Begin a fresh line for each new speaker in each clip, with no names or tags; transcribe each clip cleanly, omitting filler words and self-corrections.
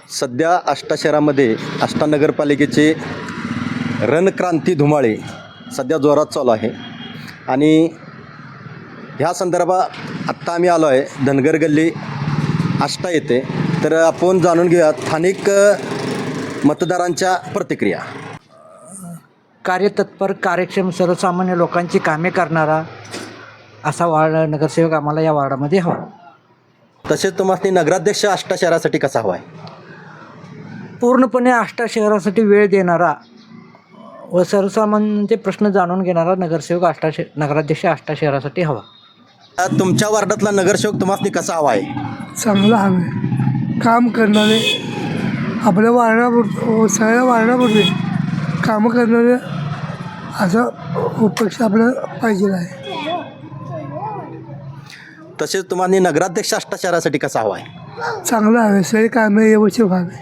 सध्या आष्टा शहरामध्ये आष्टा नगरपालिकेचे रणक्रांती धुमाळे सध्या जोरात चालू आहे आणि ह्या संदर्भात आत्ता आम्ही आलो आहे धनगर गल्ली आष्टा येथे. तर आपण जाणून घेऊया स्थानिक मतदारांच्या प्रतिक्रिया.
कार्यतत्पर, कार्यक्षम, सर्वसामान्य लोकांची कामे करणारा असा नगरसेवक आम्हाला या वार्डामध्ये हवा.
तसेच तुम्हाला नगराध्यक्ष आष्टा शहरासाठी कसा हवा आहे?
पूर्णपणे आष्टा शहरासाठी वेळ देणारा व सर्वसामान्यांचे प्रश्न जाणून घेणारा नगरसेवक नगराध्यक्ष आष्टा शहरासाठी हवा.
तुमच्या वार्डातला नगरसेवक तुम्हाला कसा हवा आहे?
चांगला हवे, काम करणारे, आपल्या वारणापुरतं सगळ्या वारणापुरते कामं करणारे असा पक्ष आपल्याला पाहिजे आहे.
तसेच तुम्हाला नगराध्यक्ष आष्टा शहरासाठी कसा हवा आहे?
चांगला हवे, सगळे कामे व्यवस्थित व्हावे.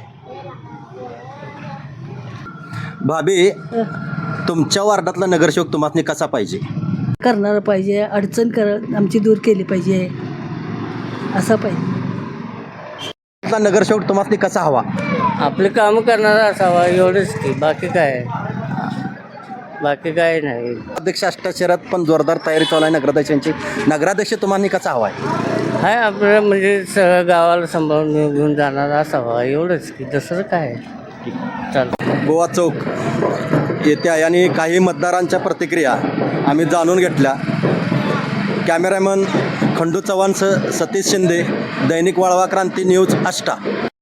भाभी, तुमच्या वार्डातला नगरसेवक तुम्हाला कसा पाहिजे?
करणारं पाहिजे, अडचण आमची दूर केली पाहिजे असं पाहिजे.
नगरसेवक तुम्हाला कसा हवा?
आपले काम करणारा असावा एवढंच की, बाकी काय नाही.
अध्यक्ष आष्टा शहरात पण जोरदार तयारी चालू आहे नगराध्यक्षांची. नगराध्यक्ष तुम्हाला कसा हवा आहे?
हाय आपलं म्हणजे सगळं गावाला सांभाळून घेऊन जाणारा असावा एवढंच की, दुसरं काय चालतं.
गोवा चौक येथे आहे आणि काही मतदारांच्या प्रतिक्रिया आम्ही जाणून घेतल्या. कॅमेरामन खंडू चव्हाणसह सतीश शिंदे, दैनिक वाळवा क्रांती न्यूज आष्टा.